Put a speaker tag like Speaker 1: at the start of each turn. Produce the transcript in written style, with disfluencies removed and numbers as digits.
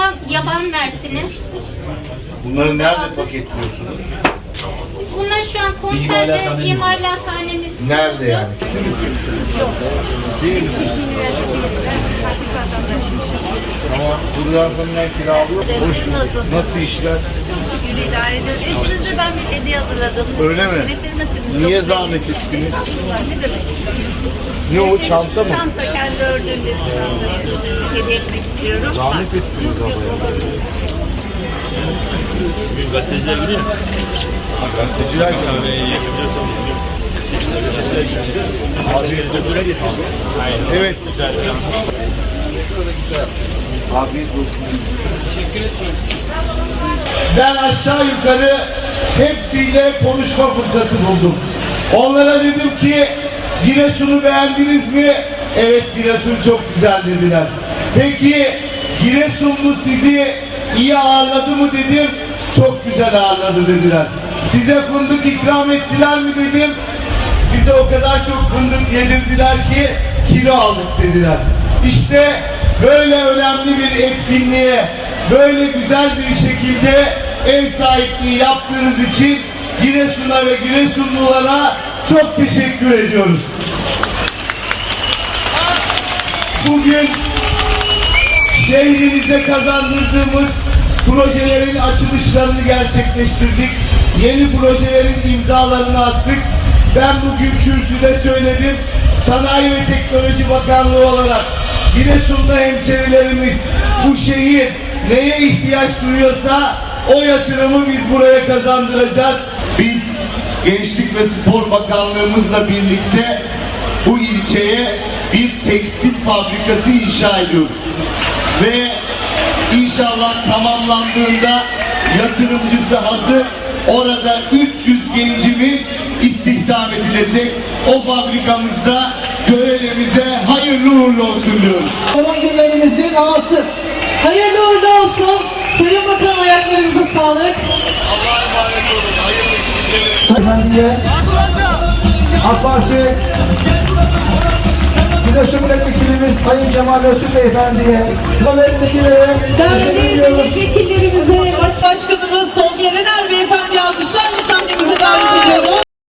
Speaker 1: yaban mersini.
Speaker 2: Bunları nerede paketliyorsunuz?
Speaker 1: Biz bunları şu an konserve imalathanemiz.
Speaker 2: Nerede yani? Siz misiniz?
Speaker 1: Yok.
Speaker 2: Siz misiniz? Tamam. Buradan sonra ne kira alıyor? Nasıl işler?
Speaker 3: Çok şükür idare ediyoruz. Eşinize ben bir hediye hazırladım.
Speaker 2: Öyle mi?
Speaker 3: Getirmesiniz.
Speaker 2: Niye
Speaker 3: Çok
Speaker 2: zahmet
Speaker 3: güzel.
Speaker 2: ettiniz?
Speaker 3: Estağfurullah, ne demek?
Speaker 2: Ne o, çanta mı?
Speaker 3: Çanta, kendi ördüğüm bir çanta hediye etmek istiyorum.
Speaker 2: Zahmet ettiniz
Speaker 3: Yok,
Speaker 2: ama ya.
Speaker 3: olur.
Speaker 4: Bugün gazeteciler gidiyor.
Speaker 2: Gazeteciler gibi. Evet. Afiyet olsun. Ben aşağı yukarı hepsiyle konuşma fırsatı buldum. Onlara dedim ki Giresun'u beğendiniz mi? Evet, Giresun çok güzel dediler. Peki Giresunlu sizi iyi ağırladı mı dedim. Çok güzel ağırladı dediler. Size fındık ikram ettiler mi dedim. Bize o kadar çok fındık yedirdiler ki kilo aldık dediler. İşte böyle önemli bir etkinliğe böyle güzel bir şekilde ev sahipliği yaptığınız için Giresun'a ve Giresunlulara çok teşekkür ediyoruz. Bugün şehrimize kazandırdığımız projelerin açılışlarını gerçekleştirdik. Yeni projelerin imzalarını attık. Ben bugün kürsüde söyledim. Sanayi ve Teknoloji Bakanlığı olarak Giresun'da hemşerilerimiz bu şehir neye ihtiyaç duyuyorsa o yatırımı biz buraya kazandıracağız. Biz Gençlik ve Spor Bakanlığımızla birlikte bu ilçeye bir tekstil fabrikası inşa ediyoruz. Ve İnşallah tamamlandığında yatırımcısı hazır. Orada 300 gencimiz istihdam edilecek. O fabrikamızda görevimize hayırlı uğurlu olsun diyoruz.
Speaker 5: Son günlerimizin ağası.
Speaker 6: Hayırlı uğurlu olsun. Sayın Bakan, ayaklarınıza sağlık.
Speaker 2: Allah'a emanet olun. Hayırlı günler.
Speaker 5: Efendiye AK Parti Giresun Milletvekilimiz Sayın Cemal Öztürk Beyefendiye haberindekilere
Speaker 6: Değerli milletvekillerimize, Başkanımız Tolga Yener Beyefendi alkışlarla sahnemize davet ediyoruz.